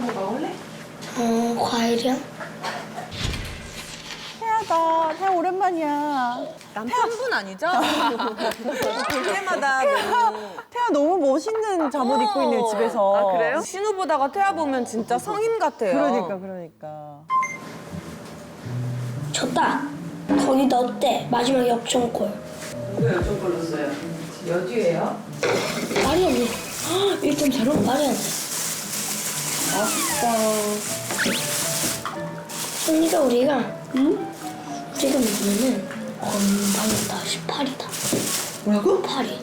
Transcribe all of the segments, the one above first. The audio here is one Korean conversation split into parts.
뭐 먹을래? 과일이요? 태아다. 태아 오랜만이야. 남편분 아니죠? 볼 때마다 너무. 태아 너무 멋있는 잠옷 입고 있네, 집에서. 아, 그래요? 신우 보다가 태아 보면 진짜 성인 같아요. 그러니까. 졌다. 거기 넣었대. 마지막 역전골. 누가 열정골 넣었어요? 여주예요? 말이 안 돼. 1.4로 말이 안 돼. 아쉽다. 승리가 우리가 이기면은 건방이다 18이다. 뭐라고? 8이.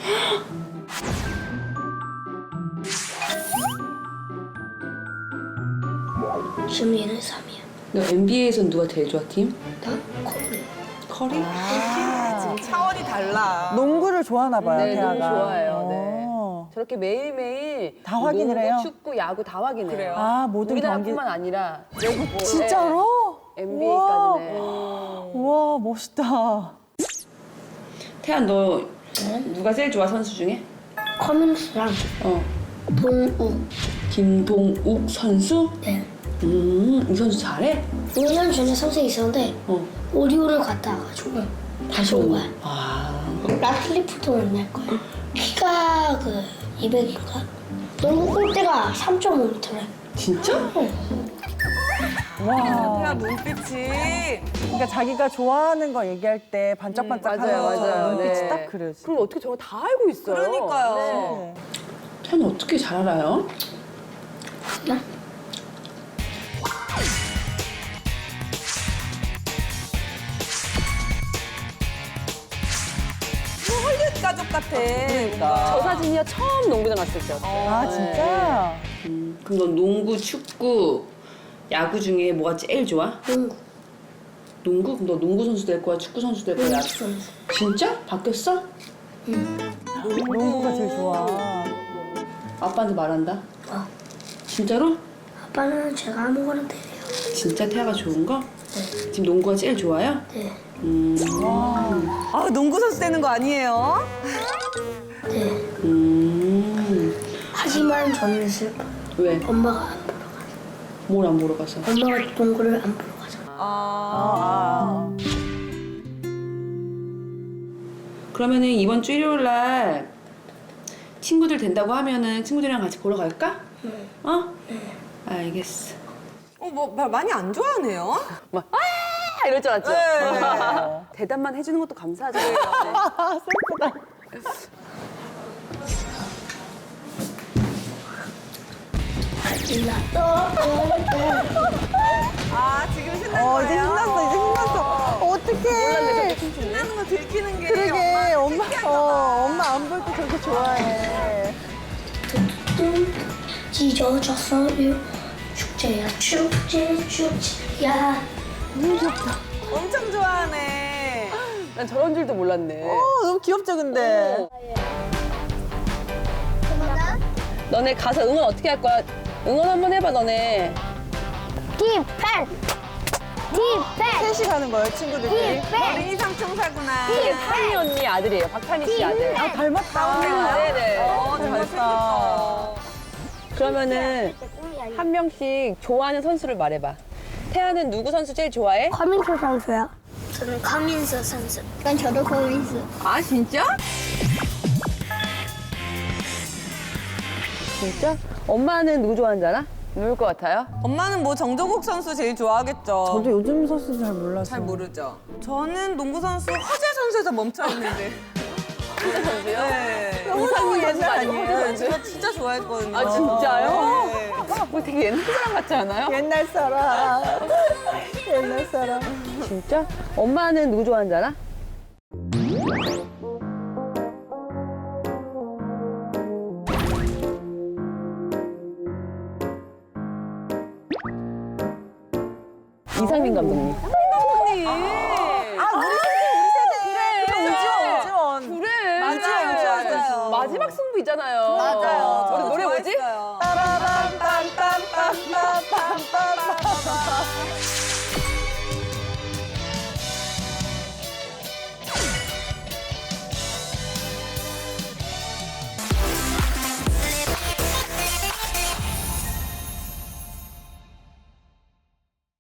심리는 3이야. 너 NBA에선 누가 제일 좋아, 팀? 나 커리. 커리? 지금 차원이 달라. 농구를 좋아하나 봐요, 네, 태아가. 너무 좋아해요. 네. 어. 저렇게 매일매일 다 확인을 농구, 해요? 축구, 야구 다 확인해요. 그래요? 아, 모든 우리나라뿐만 아니라 외국 진짜로? NBA까지네. 우와, 멋있다. 태연 너 누가 제일 좋아 선수 중에? 커민스랑 동욱. 김동욱 선수? 네. 이 선수 잘해? 5년 전에 선생이 있었는데 오리온을 갔다 와가지고 다시 온 거야. 라틀리프도 만날 거야. 키가 200인가? 농구 골대가 3.5m래. 진짜? 와. 태아 눈빛이. 그러니까 자기가 좋아하는 거 얘기할 때 반짝반짝하는 맞아요. 눈빛이 네. 딱 그래요. 진짜. 그럼 어떻게 저거 다 알고 있어요? 그러니까요. 네. 태연 어떻게 잘 알아요? 나? 헐리우드 가족 같아. 저 사진이야 처음 농구장 갔을 때. 아, 진짜? 그럼 넌 농구, 축구, 야구 중에 뭐가 제일 좋아? 농구. 농구? 그럼 너 농구 선수 될 거야? 축구 선수 될 거야? 농구 선수. 진짜? 바뀌었어? 농구가 제일 좋아. 아빠한테 말한다? 진짜로? 아빠는 제가 아무거나 때려요. 진짜 태아가 좋은 거? 네. 지금 농구가 제일 좋아요? 네. 아, 농구 선수 되는 거 아니에요? 네. 하지만 저는 슬퍼. 왜? 엄마가 안 보러 가서. 뭘 안 보러 가서? 엄마가 농구를 안 보러 가서. 그러면은 이번 주 일요일 날 친구들 된다고 하면은 친구들이랑 같이 보러 갈까? 네. 어? 알겠어. 뭐 많이 안 좋아하네요. 막 이럴 줄 알았죠? 네. 대답만 해주는 것도 감사하죠. 네. 아, 지금 신난 어, 거예요? 이제 신났어. 어떡해. 신나는 거 들키는 게. 그러게, 엄마. 엄마 안 볼 때 저렇게 좋아해. 찢어졌어요. 축제야 축제야. 너무 귀엽다. 엄청 좋아하네. 난 저런 줄도 몰랐네. 너무 귀엽죠, 근데? 너네 가서 응원 어떻게 할 거야? 응원 한번 해봐, 너네. 디펜. 셋이 가는 거예요, 친구들끼리? 어린이 삼총사구나. 타니 언니 아들이에요. 박타니 씨 아들. 아, 닮았다. 네네. 잘 생겼다. 그러면은 한 명씩 좋아하는 선수를 말해봐. 태아는 누구 선수 제일 좋아해? 커민수 선수요. 저는 커민수 선수. 난 저도 커민수. 아, 진짜? 진짜? 엄마는 누구 좋아하는지 알아? 누굴 것 같아요? 엄마는 뭐 정조국 선수 제일 좋아하겠죠. 저도 요즘 선수 잘 몰라서. 잘 모르죠. 저는 농구 선수 허재 선수에서 멈춰 있는데. 허재 선수요? 네. 너무 옛날 아니에요? 네, 제가 진짜 좋아했거든요. 아, 진짜요? 네. 뭐 되게 옛날 사람 같지 않아요? 옛날 사람. 옛날 사람. 진짜? 엄마는 누구 좋아하는지 알아? 이상민 감독님. 언니. 우지원. 그래. 맞아요. 마지막 승부 있잖아요. 맞아요.